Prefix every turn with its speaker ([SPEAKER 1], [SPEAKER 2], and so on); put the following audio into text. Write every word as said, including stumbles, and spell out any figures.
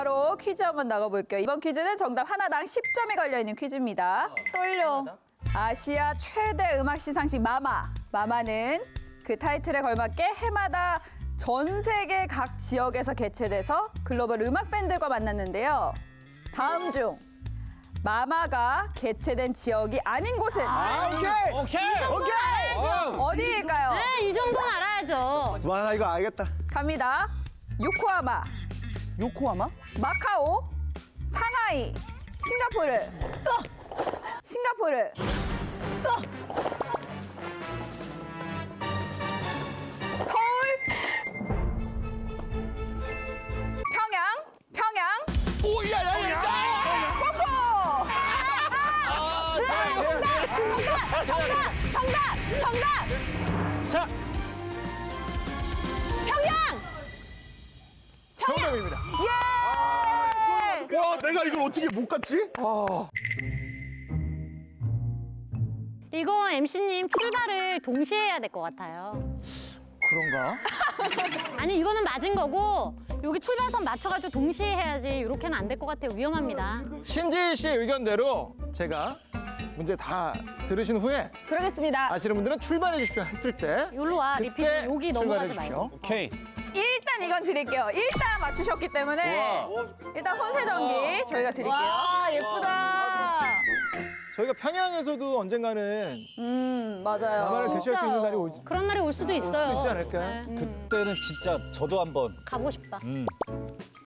[SPEAKER 1] 바로 퀴즈 한번 나가볼게요. 이번 퀴즈는 정답 하나당 십 점이 걸려있는 퀴즈입니다.
[SPEAKER 2] 떨려.
[SPEAKER 1] 아시아 최대 음악 시상식 마마. 마마는 그 타이틀에 걸맞게 해마다 전 세계 각 지역에서 개최돼서 글로벌 음악 팬들과 만났는데요. 다음 중 마마가 개최된 지역이 아닌 곳은
[SPEAKER 3] 아, 오케이.
[SPEAKER 4] 오케이.
[SPEAKER 3] 오케이.
[SPEAKER 1] 어디일까요?
[SPEAKER 2] 네, 이 정도는 알아야죠.
[SPEAKER 3] 와, 나 이거 알겠다.
[SPEAKER 1] 갑니다. 요코하마,
[SPEAKER 3] 요코하마?
[SPEAKER 1] 마카오, 상하이, 싱가포르. 싱가포르. 서울. 평양, 평양.
[SPEAKER 3] 오, 야, 야, 야.
[SPEAKER 1] 코코.
[SPEAKER 4] 아, 정답!
[SPEAKER 2] 정답! 정답!
[SPEAKER 4] 자,
[SPEAKER 2] 평양!
[SPEAKER 3] 정답입니다.
[SPEAKER 1] 예!
[SPEAKER 3] 와, 내가 이걸 어떻게 못 갔지? 아.
[SPEAKER 2] 이거 엠씨님 출발을 동시에 해야 될 것 같아요.
[SPEAKER 3] 그런가?
[SPEAKER 2] 아니, 이거는 맞은 거고 여기 출발선 맞춰가지고 동시에 해야지. 이렇게는 안 될 것 같아요. 위험합니다.
[SPEAKER 4] 신지희 씨의 의견대로 제가 문제 다 들으신 후에
[SPEAKER 1] 그러겠습니다.
[SPEAKER 4] 아시는 분들은 출발해 주십시오 했을 때
[SPEAKER 2] 여기로 와,
[SPEAKER 4] 그때
[SPEAKER 2] 리피트. 여기
[SPEAKER 4] 출발해
[SPEAKER 2] 넘어가지
[SPEAKER 4] 주십시오.
[SPEAKER 2] 말고.
[SPEAKER 4] 오케이.
[SPEAKER 1] 일단 이건 드릴게요. 일단 맞추셨기 때문에 일단 손세정기 저희가 드릴게요.
[SPEAKER 2] 예쁘다.
[SPEAKER 4] 저희가 평양에서도 언젠가는
[SPEAKER 1] 음, 맞아요.
[SPEAKER 4] 마마를 개최할 수 있는 날이 올
[SPEAKER 2] 그런 날이 올 수도 있어요.
[SPEAKER 4] 수도 있지 않을까요?
[SPEAKER 2] 네,
[SPEAKER 5] 그때는 진짜 저도 한번
[SPEAKER 2] 가고 싶다.
[SPEAKER 5] 음.